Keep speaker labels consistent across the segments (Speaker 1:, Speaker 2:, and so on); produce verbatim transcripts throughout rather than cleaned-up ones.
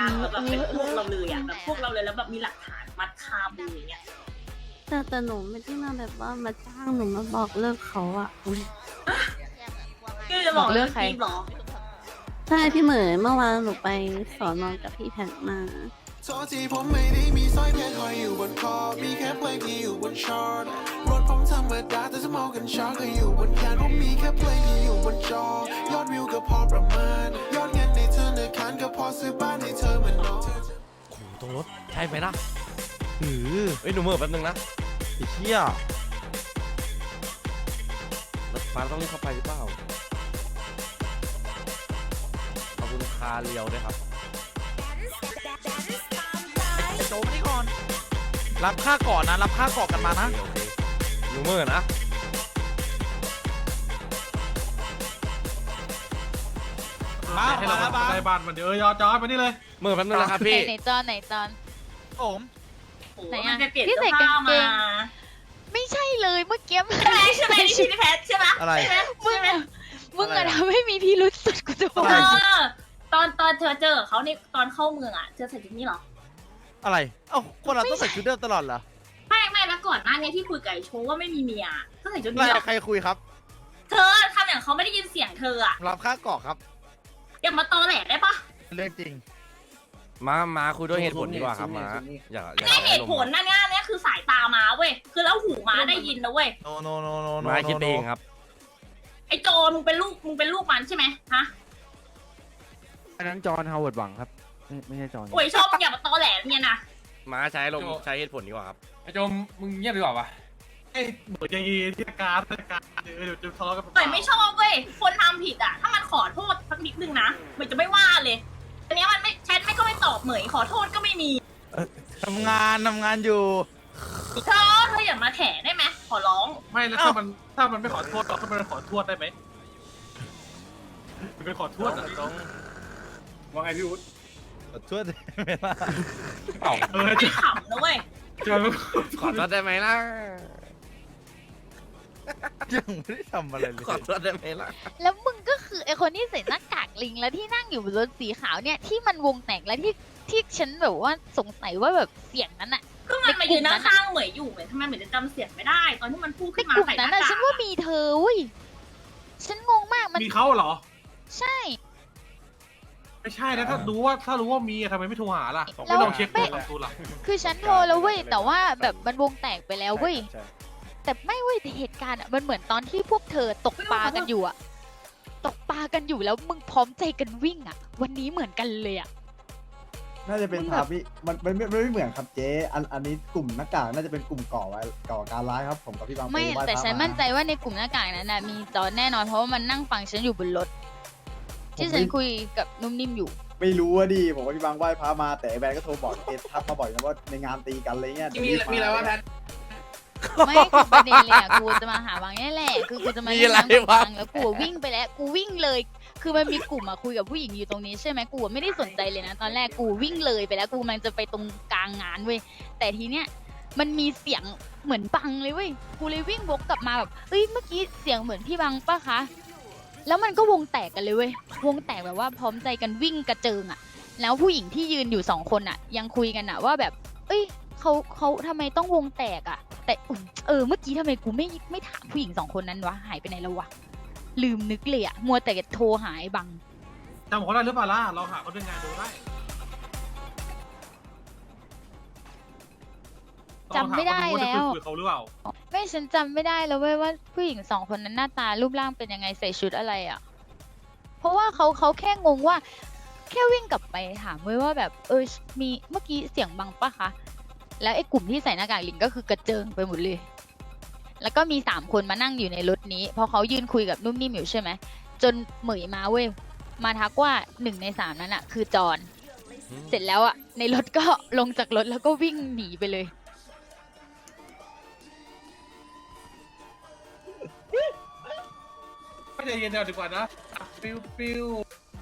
Speaker 1: นะแบบเป็นพวกเราเลยอ่ะแบบพวกเราเลยแล้วแบบมีหลักฐานมัดคามืออย่างเงี้ย
Speaker 2: แต่แต่หนูไม่ได้มาแบบว่ามาจ้างหนูมาบอกเลิกเขาอะอุ๊ย
Speaker 1: คือจะบอกเรื่องใครหรอ
Speaker 2: ใช่พี่เหมยเมื่อวานหนูไปสอนอนกับพี่แพทมา
Speaker 3: โทษทีผมไม่ได้มีสร้อยเพชรห้อยอยู่บนคอ มีแค่เพลงที่อยู่บนชาร์ตรถผมธรรมดาแต่สมองกันชาร์ตก็อยู่บนแขนผมมีแค่เพลงที่อยู่บนจอยอดวิวก็พอประมาณยอดเงินในธนาคารก็พอซื้อบ้านให้เธอเหมือนน้อง
Speaker 4: โอ้โหตรงรถใช่ไหมล่ะเออเอ้ยหนูเมื่อแป๊บนึงนะไอ้เหี้ยรถฟ้าต้องรีบเข้าไปหรือเปล่าขอบคุณคาเรียวด้วยครับ
Speaker 5: ไอ้โจมานี่ก่อน รับค่าก่อนนะ รับค่าก่อนกันมานะ
Speaker 4: โอเคหนูเมื่อนะ
Speaker 5: มา
Speaker 6: ให้เรา
Speaker 5: มามา
Speaker 6: ได้บ้านมันเดี๋ยวเออยอจอยมานี่เลย
Speaker 4: เมื่อแป๊บนึงนะครับพี่
Speaker 7: ไหนจอนไหนจอน
Speaker 5: ผม
Speaker 1: โอ้
Speaker 7: ไหน
Speaker 1: มั
Speaker 7: อะ
Speaker 1: นจะเปลี่ยน
Speaker 7: ที่
Speaker 1: เสื้
Speaker 7: ใส่
Speaker 1: อผ้าก
Speaker 7: างเก
Speaker 1: มาง
Speaker 7: ไม่ใช่เลยเมื่อกี้
Speaker 1: ใช่ไหมใช่ไหมนี่ชื่อพี่แพทใช่ไหม
Speaker 4: อะไร
Speaker 1: ใช่ไหม
Speaker 7: มึง
Speaker 1: ใช่ไหม
Speaker 7: อะมึงอะทำให้มีพิรุษสุดกูจะบอ
Speaker 1: เอก อตอนตอนเธอเจอเขาในตอนเข้าเมืองอ่ะเธอใส่ชุดนี้เหรอ
Speaker 4: อะไรเอ้าคนเราต้องใส่ชุดเดิมตลอดเหรอ
Speaker 1: ไม่ไม่แล้วก่อนหน้านี้ที่คุยกับไอ้โชว์ว่าไม่มีเมียก็ใส่ชุด
Speaker 4: ใคร
Speaker 1: นี้เหรอ
Speaker 4: ใครคุยครับ
Speaker 1: เธอทำอย่างเขาไม่ได้ยินเสียงเธออ่ะ
Speaker 4: รับค่ากรอกครับ
Speaker 1: อย่ามาตอแหลได้ปะ
Speaker 4: เรื่องจริงมามาคุยด้วยเหตุผลดีกว่าครับมาอย่าอย่า
Speaker 1: นี่เหตุผลนะเนี่ยเนี่ยคือสายตาม้าเว้ยคือแล้วหูม้าได้ยินนะเว้ย
Speaker 5: โนโนโนโนโน
Speaker 4: มาคิดเองครับ
Speaker 1: ไอ้โจมึงเป็นลูกมึงเป็นลูกมันใช่ไหมฮะ
Speaker 8: อันนั้นจอห์นฮาวเวิร์ดหวังครับ ไม่ไม่ใช่จอห์น
Speaker 1: โอ้ยชอบอย่ามาตอแหลเนี่ยนะ
Speaker 4: มาใช้ลมใช้เหตุผลดีกว่าครับ
Speaker 6: ไอ้โจมมึงเงียบดีกว่าปะไอ้เหมือนยังอีที่การที่การเดี๋ยวเดี๋ยวจะทะเลาะกัน
Speaker 1: เหมยไม่ชอบเว้ยคนทำผิดอ่ะถ้ามันขอโทษสักนิดนึงนะเหมยจะไม่ว่าเลยอันเนี้ยมันไม่แชทไม่ก็ไม่ตอบเหมยขอโทษก็ไม่มี
Speaker 5: ทำงานทำงานอยู่
Speaker 1: เธอเธออย่ามาแถได้ไหมขอร้อง
Speaker 6: ไม่แล้วถ้ามันถ้ามันไม่ขอโทษเราก็ไม่ขอโทษได้ไหมมันเป็นขอโทษอ่ะต้องว่าไงพี่อุ๊ด
Speaker 5: ขอโทษไม่ล่ะ
Speaker 6: เออ
Speaker 1: ไม่
Speaker 6: จะ
Speaker 1: ขำนะเว้ย
Speaker 6: จะ
Speaker 4: ขอโทษได้ไหมล่ะ
Speaker 5: ยังไม่ได้ทำอะไรเลย
Speaker 4: ขอโทษได้ไหมล่ะ
Speaker 7: แล้วมึงก็คือไอคนที่ใส่หน้ากากลิงแล้วที่นั่งอยู่บนรถสีขาวเนี่ยที่มันวงแตกแล้วที่ที่ฉันแบบว่าสงสัยว่าแบบเสียงนั้นอะ
Speaker 1: ก็มันมายืนข้างๆเหมยอยู่เหมยทำไมเหมยจะจำเสียงไม่ได้ ตอนที่มันพูด
Speaker 7: ใน
Speaker 1: ขึ้นมาก
Speaker 7: ลุ่ม
Speaker 1: ใส่ห
Speaker 7: นั้
Speaker 1: น้าน
Speaker 7: อะ
Speaker 1: กาก
Speaker 7: ฉันว่ามีเธอเว้ยฉันงงมากมัน
Speaker 6: มีเขาเหรอ
Speaker 7: ใช่
Speaker 6: ไม่ใช่นะถ้ารู้ว่าถ้ารู้ว่ามีทำไมไม่โทรหาล่ะ
Speaker 7: แล้
Speaker 6: ไม่
Speaker 7: ว
Speaker 6: ลองเช็คตัวตัวล่ะ
Speaker 7: คือฉันโทรแล้วเว้ยแต่ว่าแบบมันวงแตกไปแล้วเว้ย
Speaker 8: ใช่
Speaker 7: แต่ไม่เว้ยแต่เหตุการณ์อะมันเหมือนตอนที่พวกเธอตกปลากันอยู่อะตกปลากันอยู่แล้วมึงพร้อมใจกันวิ่งอะวันนี้เหมือนกันเลยอะ
Speaker 9: น่าจะเป็น
Speaker 7: มึง
Speaker 9: ทา
Speaker 7: แบบ
Speaker 9: พี่มันมันไม่ไม่เหมือนครับเจ๊อันอันนี้กลุ่มหน้ากากน่าจะเป็นกลุ่มก่อไว้ก่อการร้ายครับผมกับพี่บาง
Speaker 7: ไม่
Speaker 9: ปหว้
Speaker 7: แต่
Speaker 9: พระ
Speaker 7: ฉัน
Speaker 9: า
Speaker 7: มั่นใจว่าในกลุ่มหน้ากากนั้นนะมีจอนแน่นอนเพราะว่ามันนั่งฟังฉันอยู่บนรถ ที่ฉันคุยกับนุ่มนิ่มอยู่
Speaker 9: ไม่รู้ว่าดีผมกับพี่บางไหว้พระมาแต่ไอ้แบนก็โทรบอกเอ็ทักมาบ่อยนะว่าในงานตีกันอะไรเงี้ย
Speaker 6: มีมีอะไรวะแพท
Speaker 7: ไม่คือประเด็นเลยอ่ะกูจะมาหาบางนี่แหละคือกูจะมา
Speaker 4: มี
Speaker 7: เล่น
Speaker 4: อะไร
Speaker 7: น้ำกับ
Speaker 4: วะ
Speaker 7: บางแล้วกูวิ่งไปแล้วกูวิ่งเลย คือมันมีกลุ่มอะคุยกับผู้หญิงอยู่ตรงนี้ใช่ไหมกูไม่ได้สนใจเลยนะตอนแรกกูวิ่งเลยไปแล้วกูกำลังจะไปตรงกลางงานเว้ยแต่ทีเนี้ยมันมีเสียงเหมือนบังเลยเว้ยกูเลยวิ่งวกกลับมาแบบเอ้ยเมื่อกี้เสียงเหมือนพี่บังปะคะแล้วมันก็วงแตกกันเลยเว้ยวงแตกแบบว่าพร้อมใจกันวิ่งกระเจิงอะแล้วผู้หญิงที่ยืนอยู่สองคนอะยังคุยกันอะว่าแบบ เอ้ยเขาเขาทำไมต้องวงแตกอะแต่อุ๊ยเออเมื่อกี้ทำไมกูไม่ไม่ถามผู้หญิงสองคนนั้นวะหายไปไหนแล้ววะลืมนึกเลยอะมัวแต่โทรหายบัง
Speaker 6: จำเขาได้หรือเปล่าล่ะเราหาเขาด้วยงานดูได้
Speaker 7: จำไม่ได้แล้ว
Speaker 6: คุยเขาหรือเปล่า
Speaker 7: ไม่ฉันจำไม่ได้แล้วเว้ยว่าผู้หญิงสองคนนั้นหน้าตารูปร่างเป็นยังไงใส่ชุดอะไรอะเพราะว่าเขาเขาแค่งงว่า แค่วิ่งกลับไปถามเว้ยว่าแบบเออมีเมื่อกี้เสียงบังปะคะแล้วไอ้กลุ่มที่ใส่หน้ากากลิงก็คือกระเจิงไปหมดเลย แล้วก็มีสามคนมานั่งอยู่ในรถนี้เพราะเขายืนคุยกับนุ่มนิ่มอยู่ใช่ไหมจนเหมยมาเว้ยมาทักว่าหนึ่งในสามนั้นอะคือจอนเสร็จแล้วอะในรถก็ลงจากรถแล้วก็วิ่งหนีไปเลย
Speaker 6: ก็ใจเย็นเดี๋ยวดีกว่านะฟิวฟิว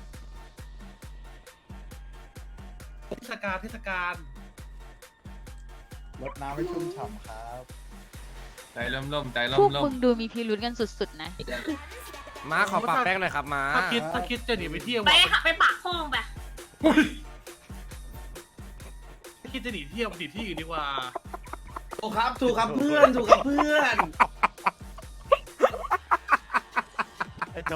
Speaker 6: เทศกาลเทศกาล
Speaker 9: รดน้ำให้ชุ่มฉ่ำครับ
Speaker 6: ใจเริ่มเริ่มใจเริ่
Speaker 7: พว
Speaker 6: ม
Speaker 7: ก
Speaker 6: เริ่ม
Speaker 7: มึงดูมีพิรุธกันสุดๆนะ
Speaker 4: มาขอปากแป้งหน่อยครับมา
Speaker 6: ถ้าคิดถ้าคิดจะหนีไปเที่ยว
Speaker 1: ไปหาไปปากห้องไป
Speaker 6: คิดจะหนีเที่ยวหนีที่อื่นดีกว่า
Speaker 10: ถูกครับถูกครับเพื่อนถูกครับเพื่อน
Speaker 8: ไอ้โจ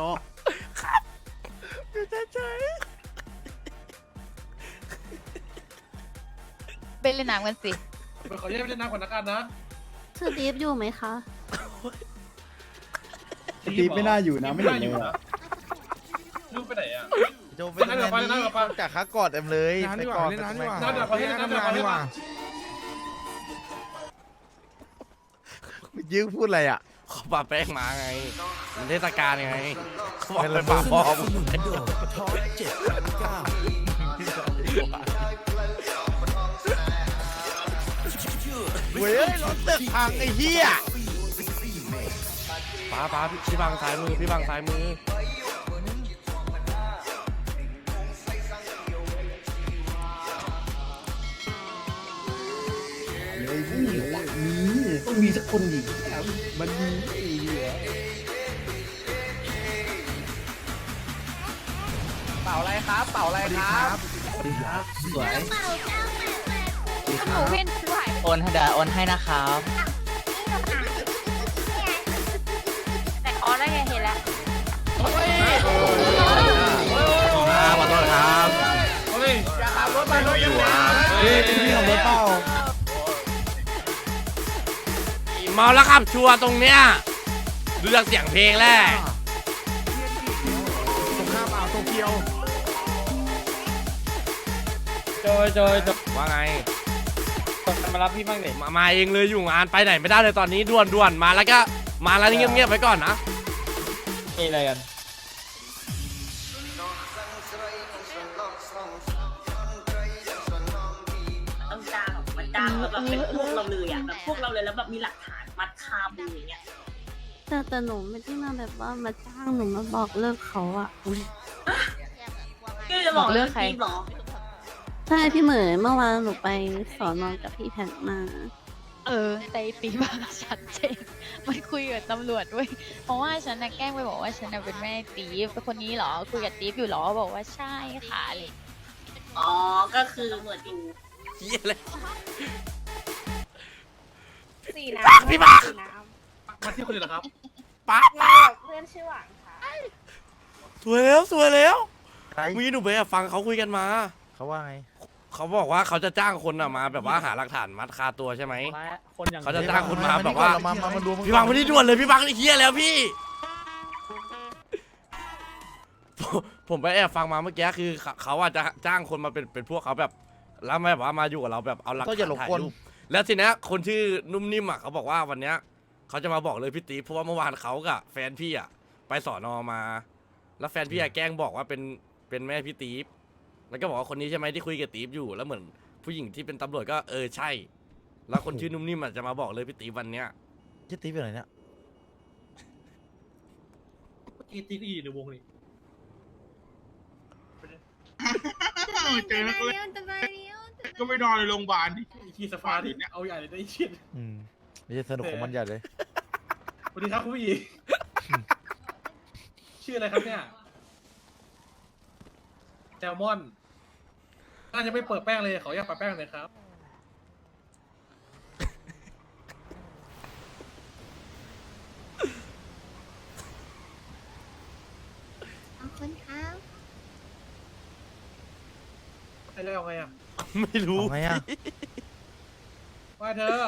Speaker 7: ไปเล่นน้ำกันสิ
Speaker 6: ไปขอแยกไปเล่นน้ำก่อนนะกันนะ
Speaker 2: ชื่อดีฟอยู่ไหมคะ
Speaker 9: ตีไม่น่าอยู่นะไม่เห็นเลยอะ
Speaker 6: ลูกไปไหนอ่ะ
Speaker 5: โจไป
Speaker 6: นั่นเดี๋ยวไปนั่นเดี๋ยวไป
Speaker 5: จากขากอดเต็มเลย
Speaker 8: น้ำดีกว่าเล่นน้ำดีกว่า
Speaker 6: น้ำเดี๋ยวขอเล่นน้ำเดี๋ยวขอเล่นน้
Speaker 5: ยื้อพูดอะไรอ่ะ
Speaker 4: เขาปาแป้งมาไงมันเทศกาลไงเขาบอกไปปาพอม
Speaker 5: เว้ยรถตึกพังไอ้เหี้ย
Speaker 4: ป้าป้าพี่พี่บังซ้ายมือพี่บังซ้ายมือ
Speaker 9: เฮ้ยมีมี
Speaker 10: ต้องมีสักคนดิ
Speaker 9: มันมีไอ้เหี้ย
Speaker 10: เป่าอะไรครับเป่าอะไรครับ
Speaker 9: สวย
Speaker 7: หนูเว้นกูหายไป
Speaker 10: โอนให้เดี๋ยวโอนให้นะครับ
Speaker 7: แต่อ๋อได้ไงเห็นแล้ว
Speaker 4: ครับขอโทษครับ
Speaker 6: เฮ้ย
Speaker 10: อย่าขับรถไปรถยังไง
Speaker 9: เฮ้ยเป็นพี่ของรถเปล่า
Speaker 4: เมาแล้วขับชัวร์ตรงเนี้ยดูจากเสียงเพลงแหละ
Speaker 8: ตรงข้ามอ่าวโตเกียว
Speaker 4: โจยโจยว่าไงมารับพี่บ้างเด็มามาเองเลยอยู่งานไปไหนไม่ได้เลยตอนนี้ด่วนด่วนมาแล้วก็มาแล้วเงียบเงียบๆไปก่อนนะมีอะไรกัน
Speaker 1: ต้องจ้างแบบมันจ้างแบบเป็นพวกเราเลยอ่ะแบบพวกเราเลยแล้วแบบมีหลักฐานมัดคามืออย่างเงี้ย
Speaker 2: แต่แต่หนูไม่ได้มาแบบว่ามาจ้างหนูมาบอกเลิกเขาอะอุ๊ย
Speaker 1: ก็จะบอกเรื่องทีมหรอ
Speaker 2: ใช่พี่เหมยเมื่อวานหนูไปสอนอนกับพี่แพทมา
Speaker 7: เออแต่ตีมาชัดเจนมันคุยกับตำรวจด้วยเพราะว่าฉันน่ะแกล้งไปบอกว่าฉันน่ะเป็นแม่ตีฟเป็นคนนี้เหรอคุยกับตีฟอยู่เหรอบอกว่าใช่ค่ะอะไร
Speaker 1: อ๋อก็คือเหมือนดู
Speaker 4: เฮียเลย
Speaker 1: สี
Speaker 4: ปัก
Speaker 1: น้ำ
Speaker 4: พี่ปัก
Speaker 1: สีน้
Speaker 6: มาที่คนอื่นเหรอครับ
Speaker 4: ปัก
Speaker 1: ำมากับเพื่อนชื่อหวังค่ะ
Speaker 4: สวยแล้วสวยแล้ว
Speaker 5: ใคร
Speaker 4: เมื่อกี้หนูไปแอบฟังเขาคุยกันมา
Speaker 5: เขาว่าไง
Speaker 4: เขาบอกว่าเขาจะจ้างคนอะมาแบบว่าหาหลักฐานมัดคาตัวใช่ไหม
Speaker 6: คนอย่าง
Speaker 4: เขาจะจ้างคนมาแบบว่า
Speaker 5: มามามาดู
Speaker 4: พี่บังไม่ได้ด่วนเลยพี่บังนี่เฮียแล้วพี่ ผมผมไปแอบฟังมาเมื่อกี้คือเขาเขาอาจจะจ้างคนมาเป็นเป็นพวกเขาแบบแล้วมาแบบว่ามาอยู่กับเราแบบเอาหลัก
Speaker 5: ก็อย่าหลง
Speaker 4: ถ่าย
Speaker 5: กล
Speaker 4: รูปแล้วทีเนี้ยคนชื่อนุ่มนิ่มอ่ะเขาบอกว่าวันเนี้ยเขาจะมาบอกเลยพี่ตีเพราะว่าเมื่อวานเขากับแฟนพี่อ่ะไปสอนอมา แล้วแฟนพี่อ่ะแกล้งบอกว่าเป็นเป็นแม่พี่ตีฟแล้วก็บอกว่าคนนี้ใช่ไหมที่คุยกับตีฟอยู่แล้วเหมือนผู้หญิงที่เป็นตำรวจก็เออใช่ แล้วคนชื่อนุ่มนิ่มอ่ะจะมาบอกเลยพี่ตีฟวันเนี้ย
Speaker 5: ชื่อตีเป็นไหนเนี่ย
Speaker 6: อีตีก็อยู่ในวงนี่
Speaker 10: เจอนักเล่นก็ไม่นอนในโรงพยาบาลดิ
Speaker 6: ไอ้ขี้สภาดิเนี่ยเอาใหญ่เลยได้ไอ้เชี่ย
Speaker 5: อืมไม่ใช่สนุกของมันใหญ่เลย
Speaker 6: สวัสดีครับคุณผู้หญิงชื่ออะไรครับเนี่ยแซลมอนน่าจะไม่เปิดแป้งเลยขออยากปะแป้งเลยครับ
Speaker 2: ขอบคุณครับ
Speaker 6: ไอ้แล้วเอาไงอ่ะ
Speaker 4: ไม่รู้
Speaker 5: เอาไงอะ
Speaker 6: ว่าเธอ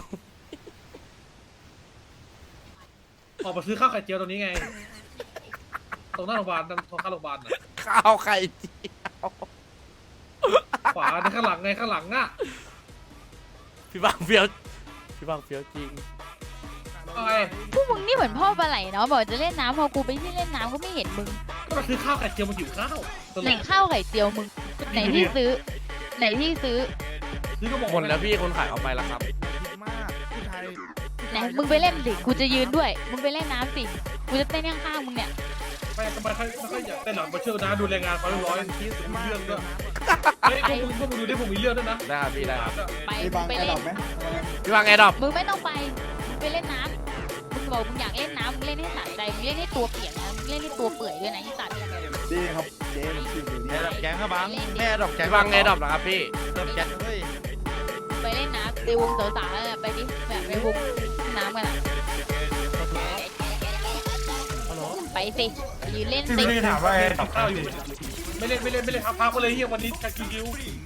Speaker 6: ออกมาซื้อข้าวไข่เจียวตรงนี้ไง ตรงหน้าโรงพยาบาลตรงข้างโรงพยาบาลน่ะ
Speaker 4: ข้าวไข่เจียว
Speaker 6: ขวาในข้างหลังไงข้างหลังอ่ะ
Speaker 4: พี่บังเฟี้ยวพี่บังเฟี้ยวจริง
Speaker 6: เอาไง
Speaker 7: พวกมึงนี่เหมือนพ่อปลาไหลเนาะบอกจะเล่นน้ำพอกูไปที่เล่นน้ำก็ไม่เห็นมึง
Speaker 6: ก็มาซื้อข้าวไข่เจียวมาหิวข้าวตรง
Speaker 7: ไหน
Speaker 6: นี้
Speaker 7: ข้าวไข่เจียวมึงไหนที่ซื้อ ไหนที่ซื้อ
Speaker 6: ซื้อก็บอก
Speaker 4: หมดแล้วพี่คนขายเอาไปแล้วครับ
Speaker 8: มากผู้ชาย
Speaker 7: ไหนมึงไปเล่นสิกูจะยืนด้วย มึงไปเล่นน้ำสิกูจะเต้นข้างๆมึงเนี่ย
Speaker 6: ไม่ทำไมเขาไม่ค่อยอยากเต้นหลังมาเชื่อนะดูแรงงานเขาเรียบร้อยมีเรื่องด้วยเฮ้ยพวกมึงพวกมึงดูดิผมมีเรื่องด้วยนะ
Speaker 4: ได้ครับพี่ได้ครับ
Speaker 7: ไป
Speaker 9: ไอ้
Speaker 7: มึ
Speaker 9: บาง
Speaker 7: งไป
Speaker 9: ไอ้
Speaker 7: เล่
Speaker 9: ดอน กไหม
Speaker 4: พี่บังแอร์ดรอป
Speaker 7: มึงไม่ต้องไปมึงไปเล่นน้ำมึงบอกมึงอยากเล่นน้ำมึงเล่นให้สะใจมึงเล่นให้ตัวเปียกนะมึงเล่นให้ตัวเปื่อยด้วยนะที่สัตว์
Speaker 9: ดีครับเจ๊มันชื่ออยู่
Speaker 5: แม่
Speaker 9: นี่
Speaker 5: ดอกแกงครับบังแม่ดอกแกง
Speaker 4: พี่บังแอร์ดรอปนะครับพี่
Speaker 5: ดอกแกงเฮ้ย
Speaker 7: ไปเล่นน้ำในวงสาวๆแล้วน่ะไปดิแบบไปวงน้ำกันอ่ะไปสิไปยืนเล่น
Speaker 6: ที่
Speaker 7: สิ
Speaker 6: ไม่ได้ถามว่าไอ้ตับข้าวอยู่ไม่เล่นไม่เล่นไม่เล่นพักพักก็เลยเฮียวันนี้คิวคิว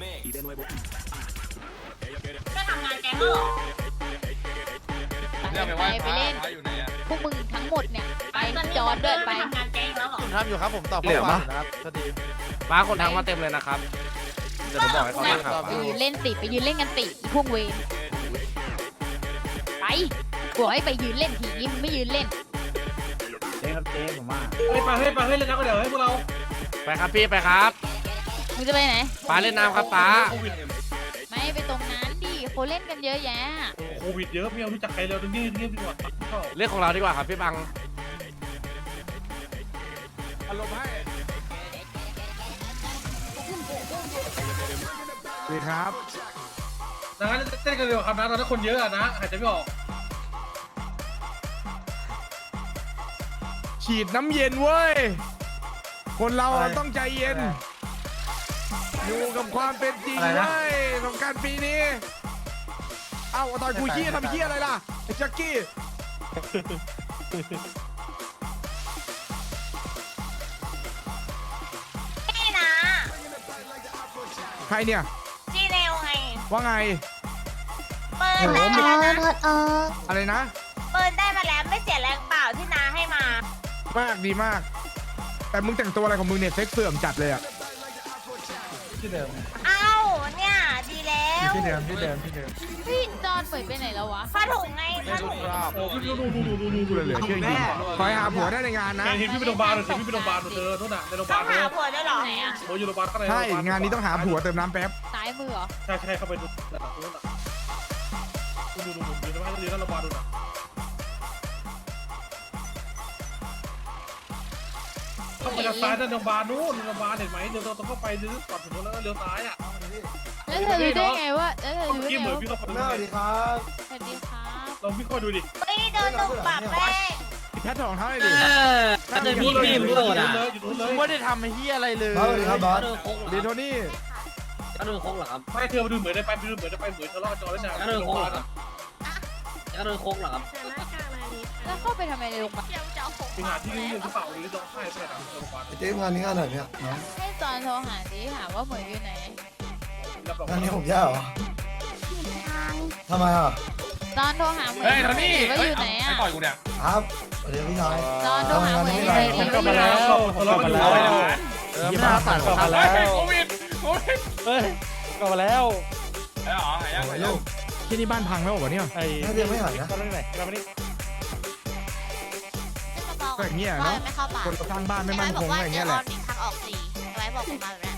Speaker 1: ก็ทำงานแก๊งแล้วเหรอ
Speaker 7: ไปไปเล่นพวกมึงทั้งหมดเนี่ยไปจอดด้วยไป
Speaker 1: ทำงานแก๊งแล้วเหรอ
Speaker 5: ผมทำอยู่ครับผมตอบข้อความอยู่นะครับสวัสดี
Speaker 4: ป้าคนทักมาเต็มเลยนะครับเดี๋ยวผมบอกให้เขาทักหา
Speaker 7: ไป
Speaker 4: ป้า
Speaker 7: ยืนเล่นสิไปยืนเล่นกันสิพวกเวรไปบอกให้ไปยืนเล่นทีนี้มึงไม่ยืนเล่น
Speaker 9: เจ๊ครับเจ๊ผมว่า
Speaker 6: เฮ้ยไปเฮ้ยไปเฮ้ยเล่นน้ำกันเดี๋ยวให้พวกเรา
Speaker 4: ไปครับพี่ไปครับ
Speaker 7: มึงจะไปไหน
Speaker 4: ป้าเล่นน้ำครับป้า
Speaker 6: โควิด
Speaker 7: ไม่ไปตรงนั้นดิเขาเล่นกันเยอะแยะ
Speaker 6: โควิดเยอะไม่เอารู้จักใครเลยตรงนี้เงียบดีกว่า
Speaker 4: เรื่องของเราดีกว่าครับพี่บัง
Speaker 8: อารมณ์ให้สวัสดีครับ
Speaker 6: ดังนั้นเต้นกันเร็วครับนะตอนนั้นคนเยอะอะนะหายใจไม่ออก
Speaker 8: ฉีดน้ำเย็นเว้ย คนเราอะต้องใจเย็น อยู่กับความเป็นจริงเว้ยสงกรารปีนี้ เอ้าตอนกูขี้ทำขี้อะไรล่ะไอ้แจ็คกี้
Speaker 1: นี่นะ
Speaker 8: ใครเนี่ย
Speaker 1: จีเนลไง
Speaker 8: ว่าไง
Speaker 1: เปิดได้มาแล้วนะ
Speaker 8: อะไรนะ
Speaker 1: เปิดได้มาแล้วไม่เสียแรงเปล่าที่นาให้มา
Speaker 8: มากดีมาก แต่มึงแต่งตัวอะไรของมึงเนี่ยเซ็กเสื่อมจัดเลยอะ
Speaker 1: เอ้าเนี่ยดีแล้ว
Speaker 8: ที่เดิมที่เดิมที่เดิม
Speaker 7: พี่จอนเปิดไปไหนแล้ววะ
Speaker 1: ผ้าถุงไงผ้าถุง
Speaker 6: โอ้ดูดูดูดูดูดูดู
Speaker 8: เหลือเชื่อจริงคอยหาผัวได้ในงานนะ
Speaker 6: เห็นพี่ไปโรงพยาบาลเห็นพี่ไปโรงพยาบาลเธอโน่นน่ะในโรงพยา
Speaker 1: ต้
Speaker 6: บา
Speaker 1: อ
Speaker 6: ล
Speaker 1: ง
Speaker 6: เธ
Speaker 1: หา
Speaker 6: อ
Speaker 1: ผัวด้วยเหรอไหนอะ
Speaker 6: โอ้อยู่โรงพยาบาลข้างใน
Speaker 8: ใช่ งานนี้ต้องหาผัวเติมน้ำแป๊บ
Speaker 7: ซ้ายมือเหรอ
Speaker 6: ใช่ใช่เข้าไปดูโน่นน่ะดูดูดูดูดูนะดูนะโรงพยาบาลดูนะเข้าไปทางซ้ายด้านโรงพยาบาลนู้นโรงพยาบาลเห็นไหมเดี๋ยวเราต้องเข้าไปเดี๋ยวก่อนถึงแล้วเลี้ยวซ้ายอ่ะ
Speaker 7: แล้วเธอรู้ได้ไงว่าแล้วเธอ
Speaker 6: เมื่อ
Speaker 7: รู้
Speaker 6: กี้
Speaker 7: ได้
Speaker 6: เห
Speaker 7: ไง
Speaker 6: มือนพี่
Speaker 7: ว่า
Speaker 6: เข้าไปดู
Speaker 9: สวัสดีครับ
Speaker 7: สวัสดีครับ
Speaker 6: ลองพี่เข้าดูดิ
Speaker 1: เฮ้ยเดินตรงปากแม่
Speaker 8: แพทย์ของเท่าไหร่ดิ
Speaker 6: ถ้าเจอพี่พี่มึงโดดอ่ะอยู่นู้นเลย
Speaker 5: ไม่ได้ทำไอ้เหี้ยอะไรเลย
Speaker 9: สวัสดีครับบอส
Speaker 8: เดโทนี่
Speaker 10: ก็โดนโค้งเหรอครับ
Speaker 6: ไม่เธอมาดูเหมือนได้ไปดูเหมือนได้ไปเหมือนทะเลาะจอแล้วนะ
Speaker 10: ก็โดนโค้งเหรอครับก็โดนโค้งเหรอครับ
Speaker 7: แล้วเข้าไปทำไมในโรงพยาบาล
Speaker 6: ไปหาที่นี่หรือเปล่าหรือร้องไห้ไปไหนโรงพยาบาล
Speaker 9: เจ๊งานนี้งานไหนเนี่ย
Speaker 7: ให้จอนโทรหาดิถามว่าเหมยอยู่ไหน
Speaker 9: งานนี้ผมแย่เหรอทำไมอ่ะ
Speaker 7: จอนโทรหาเหมย
Speaker 5: เฮ้ยโทนี่
Speaker 7: ว่าอยู่ไหนอ่ะ
Speaker 5: ต่อยกูเนี่ย
Speaker 9: ครับสวัสดีพี่ชาย
Speaker 7: จอนโทรหาเหมย
Speaker 9: ทำไม
Speaker 7: อยู่ไหน
Speaker 9: ทำไม
Speaker 7: ดิ
Speaker 6: ผมกลับมาแล้วทะเลาะกันอยู่
Speaker 5: เออไม่น่าตัดกลับมาแล้วโควิดโควิด
Speaker 6: เฮ้ยกลับมาแล้ว
Speaker 5: ไอ้หรอไอ้ยังไงลูก
Speaker 8: ที่นี่บ้านพังแล้วเหรอเนี่ย
Speaker 6: ไอ้
Speaker 9: น่าจะยังไม่หายนะ
Speaker 6: กลับมาไหนกลับมานี่
Speaker 8: ก็อย่างเงี้ยเนาะ
Speaker 1: ไม่เข้าปาก
Speaker 8: คนสร้างบ้านไม่มั่นคงอะไรอย่างเงี้ยแหละ
Speaker 1: ทางออกสี่ไว้บอกผมมาแบบนี้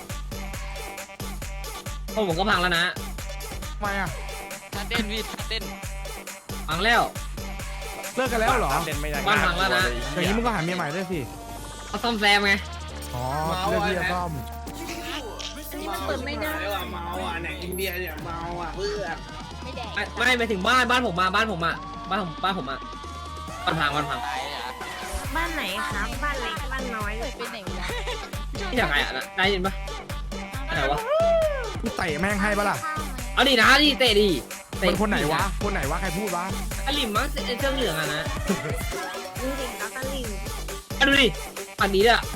Speaker 10: โอ้ผมก็พังแล้วนะ
Speaker 8: ทำไมอ่ะ
Speaker 5: เต้นพี่เต้น
Speaker 10: พังแล้ว
Speaker 8: เลิกกันแล้วเหรอ
Speaker 4: เล่นไม่ได้
Speaker 10: บ้านพังแล้วนะ
Speaker 8: อย่างนี้มึงก็หาเมียใหม่ด้วยสิ
Speaker 10: เขาซ่อมแซมไง
Speaker 8: อ๋อเรื่องที่จะซ่อม
Speaker 1: นี่มันเปิดไม่ได้
Speaker 10: เมาอ่ะไหนอินเดียเนี่ยเมาอ่ะเพื่อน
Speaker 7: ไม่แดง
Speaker 10: ไม่ไปถึงบ้านบ้านผมมาบ้านผมอ่ะบ้านผมบ้านผมอ่ะบ้านพังบ้านพัง
Speaker 1: บ้านไหนครับบ้านเล็กบ้านน้อย
Speaker 7: เปิดไปไหนวะ
Speaker 10: ที่ยังไงอ่ะได้ยินปะอะไรวะ
Speaker 8: กูเตะแม่งให้ปะล่ะ
Speaker 10: เอาดินะดิเตะดิเตะ
Speaker 8: คนคนไหนวะ คนไหนวะ ใครพูดวะ
Speaker 10: อลิมมั้งเสื้อเหลืองอ่ะนะ
Speaker 1: จริงๆแล้วก็ลิง
Speaker 10: อ่ะดูดิฝั่งนี้ด้วยอ่ะ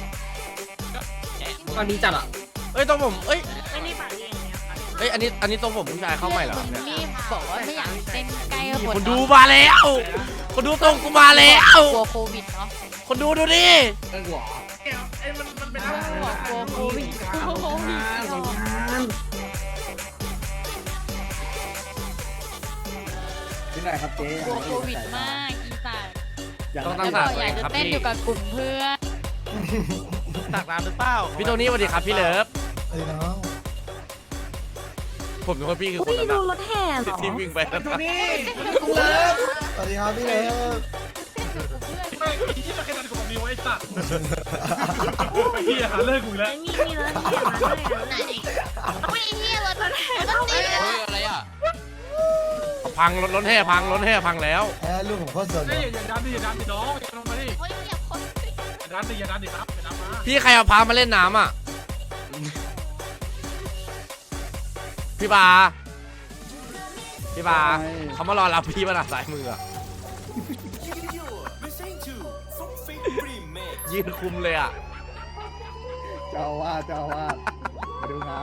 Speaker 10: ฝั่งนี้จัดอ่ะ
Speaker 4: เอ้ยตรงผมเอ้ย
Speaker 1: ไอ้นี่ปากเองเนี่ยค่ะ
Speaker 4: เอ้ยอันนี้อันนี้ตรงผมผู้ชายเข้าใหม่เหรอ
Speaker 7: มึง
Speaker 4: เนี่ย
Speaker 7: รีบบอกว่าไม่อยากเป็นใกล้กับ
Speaker 4: นี่
Speaker 7: คน
Speaker 4: คนดูมาแล้วคนดูตรงกูมาแล้ว
Speaker 7: กลัวโควิดเนาะ
Speaker 4: คนดูดูดิ
Speaker 10: เออหัว
Speaker 6: ไอ้มันมันเป็น
Speaker 7: กลัวกลัวโควิดกลัวโควิด
Speaker 9: ที่ไหนครับเจ๊
Speaker 7: กลัวโควิดมากอีสัตว์
Speaker 4: ต้อง
Speaker 7: แล้
Speaker 4: ตั้
Speaker 7: ว
Speaker 4: ง
Speaker 7: บ
Speaker 4: สา
Speaker 7: อก
Speaker 4: ติ
Speaker 7: อยากจะ
Speaker 4: ครับ
Speaker 7: เต้น
Speaker 4: พี่
Speaker 7: อยู่กับกลุ่มเพื่อน
Speaker 5: ตักน้ำหรือเปล่า
Speaker 4: พี่โทนี่สวัสดีครับพี่เลิฟ
Speaker 9: เอ้ยน้อง
Speaker 4: ผมนึกว่าพี่คือคนนั้น
Speaker 1: ดู
Speaker 4: อะ
Speaker 1: รถแห่เหรอ
Speaker 4: ที่วิ่งไปนั่น
Speaker 6: ดู
Speaker 4: อะ
Speaker 6: นี่
Speaker 9: สวัสดีครับพี่เล็ก
Speaker 6: ไม่ที่มาแค่นั้นกับผมดีไว้สัตว์ไอ้เหี้ยหาเลิกกูแล้ว
Speaker 1: มีมีรถแห่มาด้วยไหนไม่เฮียรถแห่รถติด
Speaker 5: เฮ้ยอะไรอ่ะ
Speaker 4: พังรถรถแห่พังรถแห่พังแล้ว
Speaker 9: แอร์ลูกผมโคตรสน
Speaker 6: เฮ้ยอย่าดันดิอย่าดันดิน้องอย่าลงมาดิ
Speaker 7: โอ้ยอยากคน
Speaker 6: อย่าดันดิอย่าดันดิครับอย่าดันมา
Speaker 4: พี่ใครเอาพามาเล่นน้ำอ่ะพี่บาพี่บาเขามารอรับพี่มาหน้าสายมืออะยืนคุมเลยอ่ะ
Speaker 9: เจ้าว่าเจ้าว่ามาดูงาน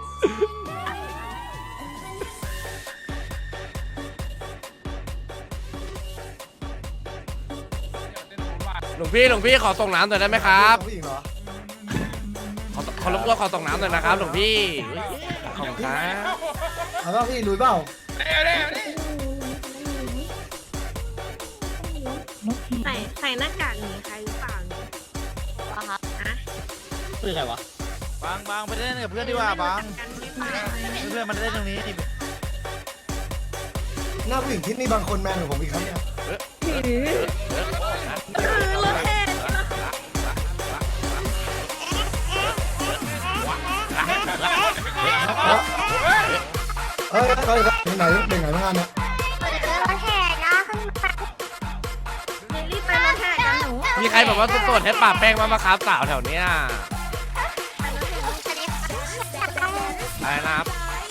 Speaker 4: หลวงพี่หลวงพี่ขอส่งน้ำหน่อยได้ไหมครับ
Speaker 9: ผู้หญิงเหรอ
Speaker 4: ขอขอรบกวนขอส่งน้ำหน่อยนะครับหลวงพี่ขอบคุณครับ
Speaker 9: เอาแล้วพี่ลุยเปล่า
Speaker 2: ใส่ใส่หน้ากากหนีใครหรือเปล่าเนี่ย
Speaker 6: คือใครวะ
Speaker 5: บางบางไปเล่นกับเพื่อนดีกว่าบาง
Speaker 2: กันหรือเปล่า
Speaker 5: เพื่อนมันเล่นตรงนี้นี่
Speaker 9: หน้าผู้หญิงที่นี่บางคนแมนกว่าผมอีกครับเนี่ย เฮ้ยเฮ้ยเป็นไหนเป็นไหนงานเนี่ย
Speaker 2: รีบไปรถแห่กันหนู
Speaker 4: มีใครบอกว่าโสดให้ป่าแป้งมามาครับสาวแถวเนี้ยอะไรนะครับ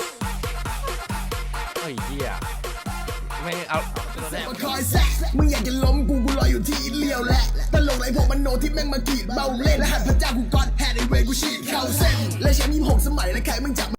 Speaker 4: เฮ้ยเหี้ยไม่เอา
Speaker 3: คอยแซะมึงอยากจะล้มกูกูรออยู่ที่อินเลียวแหละตลกไรพวกมันโนที่แม่งมากรีดเบาเล่นและหัดพระเจ้ากูกอดแฮดไอเวกูฉีดเข้าเส้นและแชมป์ยี่สิบหกสมัยและใครมึงจับ